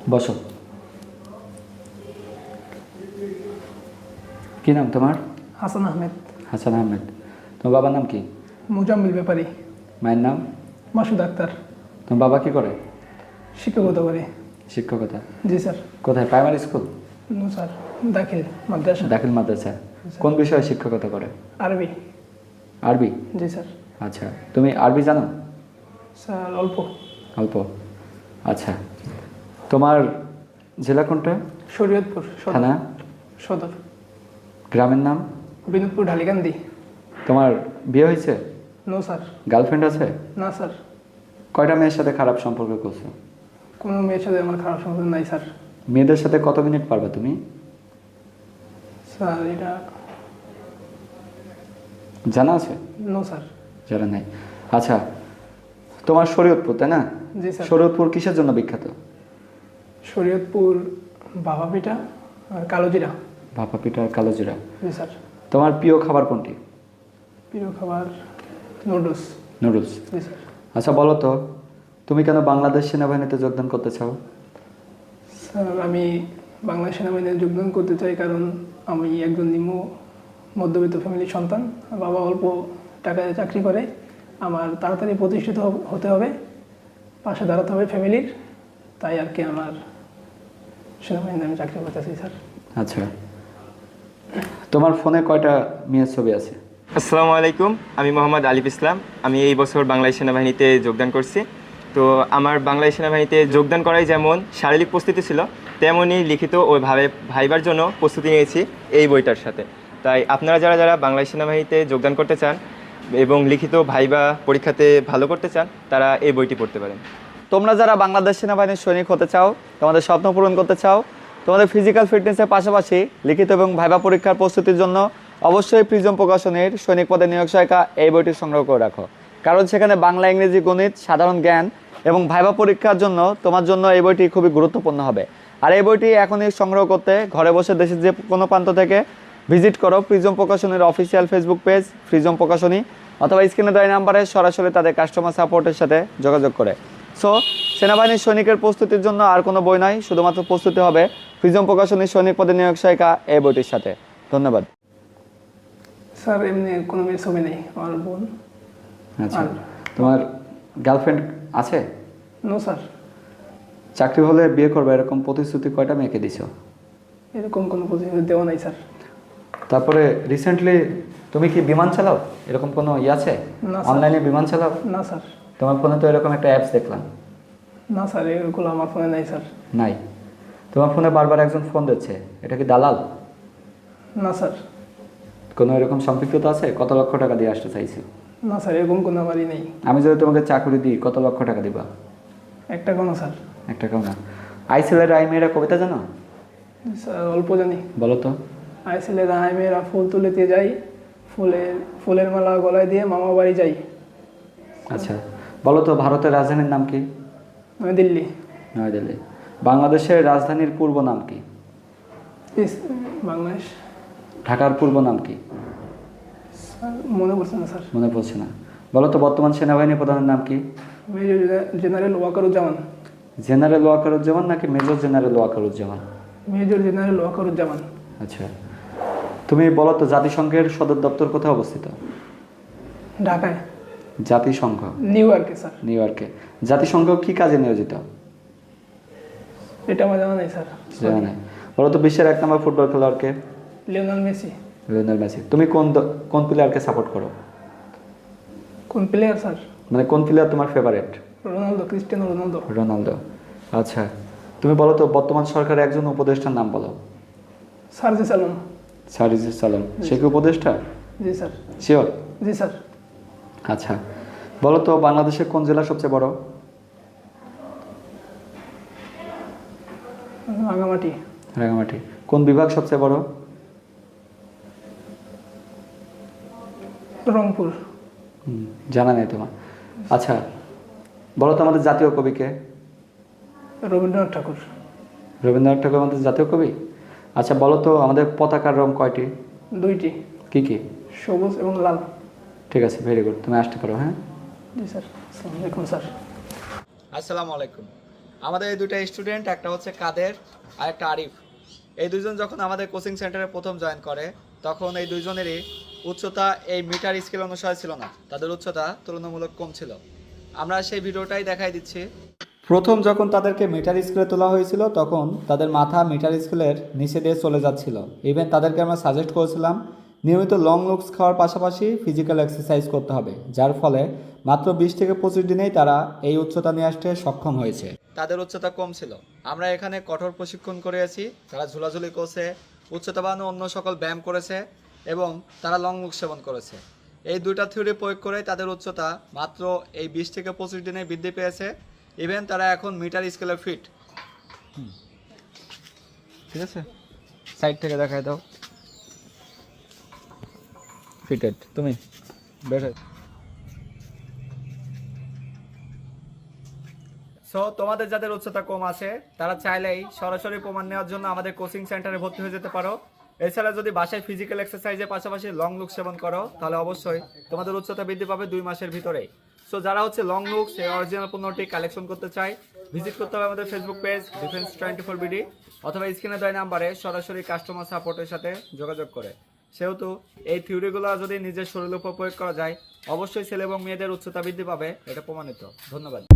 বসো। কি নাম তোমার? হাসান আহমেদ। হাসান আহমেদ। তোমার বাবার নাম কি? মুজাম্মিল ব্যাপারী। মায়ের নাম? মাসুদ আক্তার। তোমার বাবা কি করে? শিক্ষকতা করে। শিক্ষকতা। জি স্যার। কোথায়, প্রাইমারি স্কুল? নো স্যার, দাখিল মাদ্রাসা। দাখিল মাদ্রাসা। কোন বিষয়ে শিক্ষকতা করে? আরবি। আরবি? জি স্যার। আচ্ছা, তুমি আরবি জানো? স্যার অল্প। অল্প। আচ্ছা, তোমার জেলা কোনটা? শরীয়তপুর সদর। থানা? সদর। গ্রামের নাম? বিনোদপুর ঢালিকান্দি। তোমার বিয়ে হয়েছে? No sir. গার্লফ্রেন্ড আছে? না স্যার। কয়টা মেয়ের সাথে খারাপ সম্পর্ক করছো? কোনো মেয়ের সাথে আমার খারাপ সম্পর্ক নাই স্যার। মেয়েদের সাথে কত মিনিট পারবা তুমি? স্যার এটা জানা আছে? No sir. জানা নাই। আচ্ছা, তোমার শরীয়তপুর তাই না? জি স্যার। শরীয়তপুর কিসের জন্য বিখ্যাত? শরীয়তপুর ভাপা পিঠা আর কালো জিরা। ভাপা পিঠা আর কালো জিরা। জি স্যার। তোমার প্রিয় খাবার কোনটি? প্রিয় খাবার নুডলস। নুডলস। জি স্যার। আচ্ছা বলো তো, তুমি কেন বাংলাদেশ সেনাবাহিনীতে যোগদান করতে চাও? স্যার আমি বাংলাদেশ সেনাবাহিনীতে যোগদান করতে চাই কারণ আমি একজন নিম্ন মধ্যবিত্ত ফ্যামিলির সন্তান। বাবা অল্প টাকায় চাকরি করে, আমার তাড়াতাড়ি প্রতিষ্ঠিত হতে হবে, পাশে দাঁড়াতে হবে ফ্যামিলির, তাই আর কি আমার সেনাবাহিনীতে আমি চাকরি করতে চাই স্যার। আচ্ছা, তোমার ফোনে কয়টা মেয়ের ছবি আছে? আসসালামু আলাইকুম, আমি মোহাম্মদ আলিফ ইসলাম। আমি এই বছর বাংলাদেশ সেনাবাহিনীতে যোগদান করছি। তো আমার বাংলাদেশ সেনাবাহিনীতে যোগদান করাই যেমন শারীরিক প্রস্তুতি ছিল, তেমনই লিখিত ও ভাইবার জন্য প্রস্তুতি নিয়েছি এই বইটার সাথে। তাই আপনারা যারা যারা বাংলাদেশ সেনাবাহিনীতে যোগদান করতে চান এবং লিখিত ভাইবা পরীক্ষাতে ভালো করতে চান, তারা এই বইটি পড়তে পারেন। তোমরা যারা বাংলাদেশ সেনাবাহিনীর সৈনিক হতে চাও, তোমাদের স্বপ্ন পূরণ করতে চাও, তোমাদের ফিজিক্যাল ফিটনেসের পাশাপাশি লিখিত এবং ভাইবা পরীক্ষার প্রস্তুতির জন্য অবশ্যই প্রিজম প্রকাশনের সৈনিক পদে নিয়োগ সহায়িকা এই বইটি সংগ্রহ করে রাখো। কারণ সেখানে বাংলা, ইংরেজি, গণিত, সাধারণ জ্ঞান এবং ভাইবা পরীক্ষার জন্য তোমার জন্য এই বইটি খুবই গুরুত্বপূর্ণ হবে। আর এই বইটি এখনই সংগ্রহ করতে ঘরে বসে দেশের যে কোনো প্রান্ত থেকে ভিজিট করো প্রিজম প্রকাশনের অফিসিয়াল ফেসবুক পেজ প্রিজম প্রকাশনী, অথবা স্ক্রিনে দেওয়া নাম্বারে সরাসরি তাদের কাস্টমার সাপোর্টের সাথে যোগাযোগ করে। সো সেনাবাহিনীর সৈনিকের প্রস্তুতির জন্য আর কোনো বই নাই, শুধুমাত্র প্রস্তুতি হবে প্রিজম প্রকাশনীর সৈনিক পদে নিয়োগ সহায়িকা এই বইটির সাথে। ধন্যবাদ। স্যার এমনি কোনো মেয়ের ছবি নেই, আমার বোন। আচ্ছা, তোমার গার্লফ্রেন্ড আছে? No sir. চাকরি হলে বিয়ে করবে এরকম প্রতিশ্রুতি কয়টা মেয়েকে দিছো? এরকম কোনো প্রতিশ্রুতি দেওয়া নাই স্যার। তারপরে রিসেন্টলি তুমি কি বিমান চালাও? এরকম কোনো আছে না স্যার। অনলাইনে বিমান চালাও? না স্যার। তোমার ফোনে তো এরকম একটা অ্যাপস দেখলাম। না স্যার, এগুলো আমার ফোনে নাই স্যার। নাই? তোমার ফোনে বারবার একজন ফোন দিচ্ছে, এটা কি দালাল? না স্যার। কোনো এরকম সম্পৃক্ততা আছে? কত লক্ষ টাকা দিয়ে আসতে চাইছো? না স্যার, এরকম কোনো আমারই নেই। আমি যদি তোমাকে চাকরি দিই কত লক্ষ টাকা দিবা? একটা কোনো স্যার। একটা কেউ না। আইসেলের আই মেয়েরা কবিতা জানো? স্যার অল্প জানি। বলো তো। আইসেলের আয় মেয়েরা ফুল তুলিতে যাই, ফুলের মালা গলায় দিয়ে মামা বাড়ি যাই। আচ্ছা বলো তো, ভারতের রাজধানীর নাম কি? দিল্লি। নয়াদিল্লি। বাংলাদেশের রাজধানীর পূর্ব নাম কি? বাংলাদেশ। ঢাকার পূর্ব নাম কি? স্যার মনে পড়ছে না স্যার। মনে পড়ছে না। বলো তো, বর্তমান সেনাবাহিনী প্রধানের নাম কি? Major general Wakeruzzaman. General Wakeruzzaman নাকি major general Wakeruzzaman? Major general Wakeruzzaman. আচ্ছা, তুমি বলো তো, জাতিসংঘের সদর দপ্তর কোথায় অবস্থিত? ঢাকায়। জাতিসংঘ? নিউ ইয়র্কে স্যার। নিউ ইয়র্কে। জাতিসংঘ কি কাজে নিয়োজিত? এটা আমার জানা নেই স্যার। জানা নাই? বলো তো, বিশ্বের 1 নম্বর ফুটবল খেলোয়াড়কে? Lionel Messi. Lionel Messi. তুমি কোন প্লেয়ারকে সাপোর্ট করো? কোন প্লেয়ার স্যার? মানে কোন প্লেয়ার তোমার favourite? Ronaldo, Cristiano Ronaldo. Ronaldo. আচ্ছা, তুমি বলো তো, বর্তমান সরকারের একজন উপদেষ্টার নাম বলো। সারজিস আলম। সারিজুস সালাম। সে কি উপদেষ্টা? জি স্যার। শিওর? জি স্যার। আচ্ছা বলো তো, বাংলাদেশের কোন জেলা সবচেয়ে বড়? রাঙামাটি। রাঙামাটি। কোন বিভাগ সবচেয়ে বড়? রংপুর। জানা নেই তোমার? আচ্ছা বলো তো, আমাদের জাতীয় কবিকে? রবীন্দ্রনাথ ঠাকুর। রবীন্দ্রনাথ ঠাকুর আমাদের জাতীয় কবি। আচ্ছা বলো তো, আমাদের পতাকার রং কয়টি? 2টি। কি কি? সবুজ এবং লাল। ঠিক আছে, ভেরি গুড। তুমি আসতে পারো। হ্যাঁ। জি স্যার। আসসালামু আলাইকুম স্যার। আসসালামু আলাইকুম। আমাদের এই দুটো স্টুডেন্ট, একটা হচ্ছে কাদের আর একটা আরিফ। এই দুজন যখন আমাদের কোচিং সেন্টারে প্রথম জয়েন করে তখন এই দুইজনেরই উচ্চতা এই মিটার স্কেল অনুসারে ছিল না, তাদের উচ্চতা তুলনামূলক কম ছিল। আমরা সেই ভিডিওটাই দেখাই দিচ্ছি। প্রথম যখন তাদেরকে মিটার স্কেলে তোলা হয়েছিল তখন তাদের মাথা মিটার স্কেলের নিচে দিয়ে চলে যাচ্ছিল। ইভেন তাদেরকে আমরা সাজেস্ট করেছিলাম নিয়মিত লং লুকস খাওয়ার পাশাপাশি ফিজিক্যাল এক্সারসাইজ করতে হবে, যার ফলে মাত্র 20 থেকে 25 দিনেই তারা এই উচ্চতা নিয়ে আসতে সক্ষম হয়েছে। তাদের উচ্চতা কম ছিল। আমরা এখানে কঠোর প্রশিক্ষণ করেছি, তারা ঝুলাঝুলি করছে, উচ্চতা বাড়ানো অন্য সকল ব্যায়াম করেছে এবং তারা লং লুক সেবন করেছে। এই দুইটা থিওরি প্রয়োগ করে তাদের উচ্চতা মাত্র এই 20 থেকে 25 দিনে বৃদ্ধি পেয়েছে। ইভেন তারা এখন মিটার স্কেলে ফিট। ঠিক আছে, সাইড থেকে দেখাই দাও। ফিটেড, তুমি বের হয়ে। সো তোমাদের যাদের উচ্চতা কম আছে তারা চাইলেই সরাসরি প্রমাণ নেওয়ার জন্য আমাদের কোচিং সেন্টারে ভর্তি হয়ে যেতে পারো। এছাড়া যদি বাসায় ফিজিক্যাল এক্সারসাইজের পাশাপাশি লং লুক সেবন করো তাহলে অবশ্যই তোমাদের উচ্চতা বৃদ্ধি পাবে 2 মাসের ভিতরেই। সো যারা হচ্ছে লং লুক সেই অরিজিনাল পণ্যটি কালেকশন করতে চায় ভিজিট করতে হবে আমাদের ফেসবুক পেজ ডিফেন্স 24 বিডি অথবা স্ক্রিনে দেওয়া নাম্বারে সরাসরি কাস্টমার সাপোর্টের সাথে যোগাযোগ করে। সেহেতু এই থিওরিগুলো যদি নিজের শরীরের উপর প্রয়োগ করা যায় অবশ্যই ছেলে এবং মেয়েদের উচ্চতা বৃদ্ধি পাবে, এটা প্রমাণিত। ধন্যবাদ।